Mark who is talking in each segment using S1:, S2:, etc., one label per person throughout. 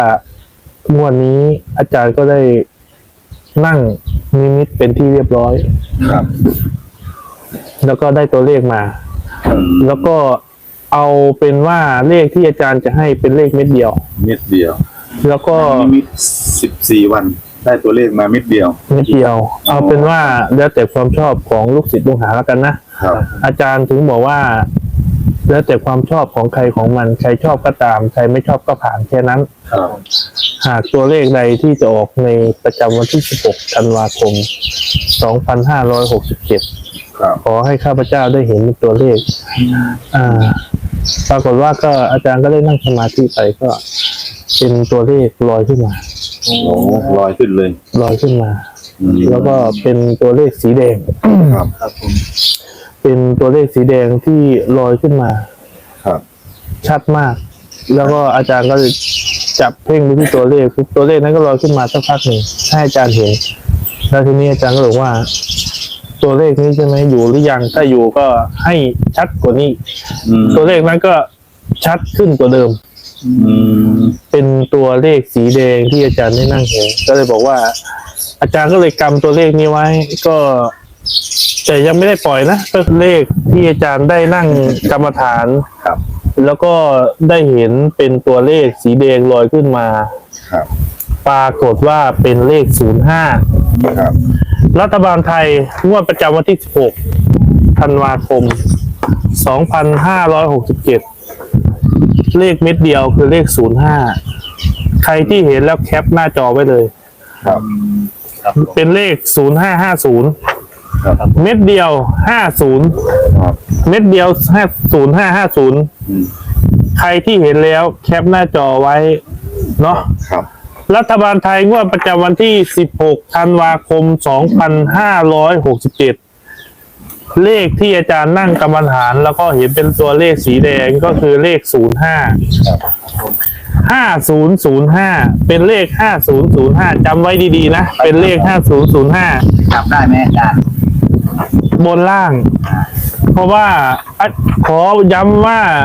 S1: งวดนี้อาจารย์ก็ได้นั่งนิมิตเป็นที่เรียบร้อย
S2: ครับ
S1: แล้วก็ได้ตัวเลขมา แล้วก็เอาเป็นว่าเลขที่อาจารย์จะให้เป็นเลขเม็ดเดียว
S2: เม็ดเดียว
S1: แล้วก็
S2: มี14 วันได้ตัวเลขมาเม็ดเดียว
S1: เม็ดเดียว เอาเป็นว่าแล้วแต่ความชอบของลูกศิษย์ลูกหาแล้วกันนะครับ อาจารย์ถึงบอกว่า แล้วแต่ความชอบของใครของมันใครชอบก็ตามใครไม่ชอบก็ผ่านแค่นั้น
S2: ครับ
S1: หากตัวเลขใดที่จะออกในประจำวันที่ 16 ธันวาคม 2567
S2: ครับ
S1: ขอให้ข้าพเจ้าได้เห็นตัวเลข ปรากฏว่าก็อาจารย์ก็ได้นั่งสมาธิไปก็เป็นตัวเลขลอยขึ้นมา
S2: โอ้ลอยขึ้นเลย
S1: ลอยขึ้นมา
S2: อืม
S1: แล้วก็เป็นตัวเลขสีแดง
S2: ครับครับผม
S1: เป็นตัวเลขสีแดงที่ลอยขึ้นมา
S2: ครับ
S1: ชัดมาก แล้วก็อาจารย์ก็จับเพ่งไปที่ตัวเลขตัวเลขนั้นก็ลอยขึ้นมาสักพักหนึ่งให้อาจารย์เห็น แล้วทีนี้อาจารย์ก็บอกว่า ตัวเลขนี้ใช่ไหมอยู่หรือยังถ้าอยู่ก็ให้ชัดกว่านี้ ตัวเลขนั้นก็ชัดขึ้นกว่าเดิม เป็นตัวเลขสีแดงที่อาจารย์ได้นั่งเห็นก็เลยบอกว่า อาจารย์ก็เลยกำตัวเลขนี้ไว้ ก็แต่ยังไม่ได้ปล่อยนะก็เลขที่อาจารย์ได้นั่งกรรมฐาน
S2: ครับ
S1: แล้วก็ได้เห็นเป็นตัวเลขสีแดงลอยขึ้นมา
S2: ครับ
S1: ปรากฏว่าเป็นเลข 05
S2: ครับ
S1: รัฐบาลไทยงวดประจำวันที่ 16 ธันวาคม 2567 เลขเม็ดเดียวคือเลข 05 ใครที่เห็นแล้วแคปหน้าจอไว้เลย
S2: ครับ
S1: เป็นเลข 0550
S2: ครับ
S1: เม็ดเดียว 50
S2: ครับ
S1: เม็ดเดียว 0550 ใครที่เห็นแล้วแคปหน้าจอไว้เนาะ
S2: ครับ
S1: รัฐบาลไทยงวดประจำวันที่ 16 ธันวาคม 2567 เลขที่อาจารย์นั่งกรรมฐานแล้วก็เห็นเป็นตัวเลขสีแดงก็คือเลข 05 5005 เป็นเลข 5005 จำไว้ดีๆนะ เป็นเลข 5005
S3: จับได้ไหมอาจารย์
S1: บนล่าง เพราะว่าขอย้ำ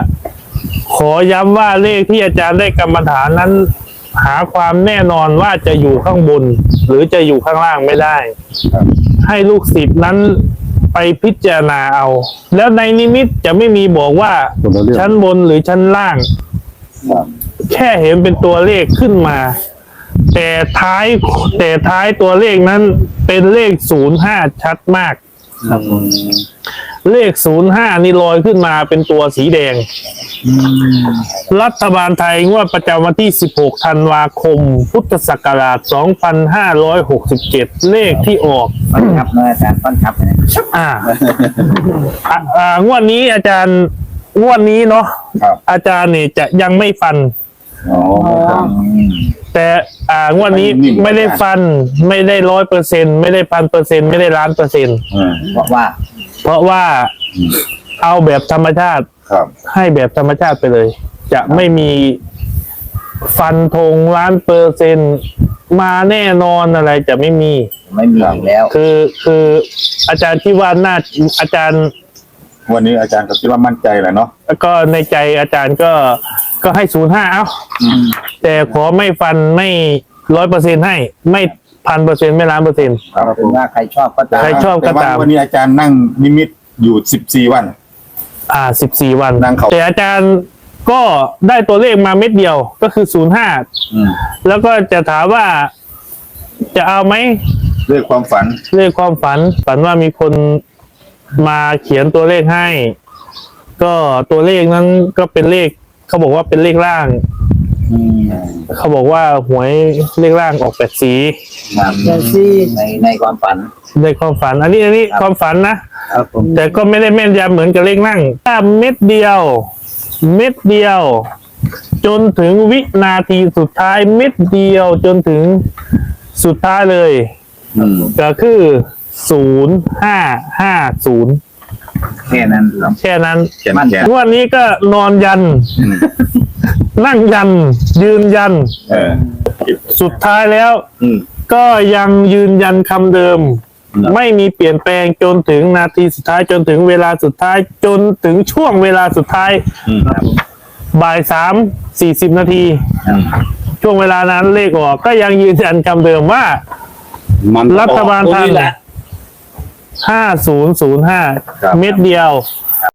S1: ว่าเลขที่อาจารย์ได้กรรมฐานนั้น หาความแน่นอนว่าจะอยู่ข้างบน หรือจะอยู่ข้างล่างไม่ได้
S2: ครับ
S1: ให้ลูกศิษย์นั้นไปพิจารณาเอา แล้วในนิมิตจะไม่มีบอกว่า
S2: คนละเรื่อง
S1: ชั้นบนหรือชั้นล่าง
S2: ครับ
S1: แค่เห็นเป็นตัวเลขขึ้นมา แต่ท้ายตัวเลขนั้นเป็นเลข 05 ชัดมาก เลข 05 นี่ลอยขึ้นมาเป็นตัวสีแดง รัฐบาลไทยงวดประจำวันที่ 16 ธันวาคม พุทธศักราช 2567 เลขที่ออก
S3: ฟันทับนะอาจารย์ฟันทับนะ
S1: งวดนี้อาจารย์งวดนี้เนาะ
S2: ครับ
S1: อาจารย์เนี่ยจะยังไม่ฟัน
S2: อ๋อครับ
S1: แต่งวดนี้ไม่ได้ฟัน ไม่ได้100%ไม่ได้1,000%ไม่ได้1,000,000%
S3: เพราะว่า
S1: เพราะว่าเอาแบบธรรมชาติ
S2: ครับ
S1: ให้แบบธรรมชาติไปเลย จะไม่มีฟันธง1,000,000%มาแน่นอนอะไรจะไม่มี
S3: ไม่มีอีกแล้ว
S1: คืออาจารย์ที่ว่าน่าอาจารย์
S2: วันนี้อาจารย์ก็คิดว่ามั่นใจแหละเนาะ
S1: แล้วก็ในใจอาจารย์ก็ให้05เอาแต่ขอไม่ฟันไม่100%ให้ไม่1,000%ไม่1,000,000%
S2: ครับ
S3: ถึงว่าใครชอบก็ตาม
S1: ใครชอบ
S2: แต่ว่าวันนี้อาจารย์นั่งนิมิตอยู่14 วัน
S1: 14 วัน
S2: นั่งเขา
S1: แต่อาจารย์ก็ได้ตัวเลขมาเม็ดเดียวก็คือ05แล้วก็จะถามว่าจะเอาไหม
S2: เรื่องความฝัน
S1: เลขความฝันว่ามีคนมาเขียนตัวเลขให้ ก็ตัวเลขนั้นก็เป็นเลขเขาบอกว่าเป็นเลขล่าง เขาบอกว่าหวยเลขล่างออก8 สี
S3: ครับในความฝัน
S1: ในความฝัน อันนี้ความฝันนะครับ
S3: ผม
S1: แต่ก็ไม่ได้แม่นยำเหมือนกับเลขนั่งถ้าเม็ดเดียว จนถึงวินาทีสุดท้ายเม็ดเดียวจนถึงสุดท้ายเลย ก็คือ0550
S3: แค่นั้นครับ
S1: แค่นั้น
S2: แขนแขน
S1: งวดนี้ก็นอนยัน นั่งยัน ยืนยัน สุดท้ายแล้ว ก็ยังยืนยันคำเดิม ไม่มีเปลี่ยนแปลงจนถึงนาทีสุดท้ายจนถึงเวลาสุดท้ายจนถึงช่วงเวลาสุดท้ายบ่าย3:40 นาทีช่วงเวลานั้นเลขออกก็ยังยืนยันคำเดิมว่า
S2: มัน
S1: รัฐบาลไทย
S2: ตัวนี้แหละ
S1: 5005
S2: ครับ
S1: เม็ดเดียว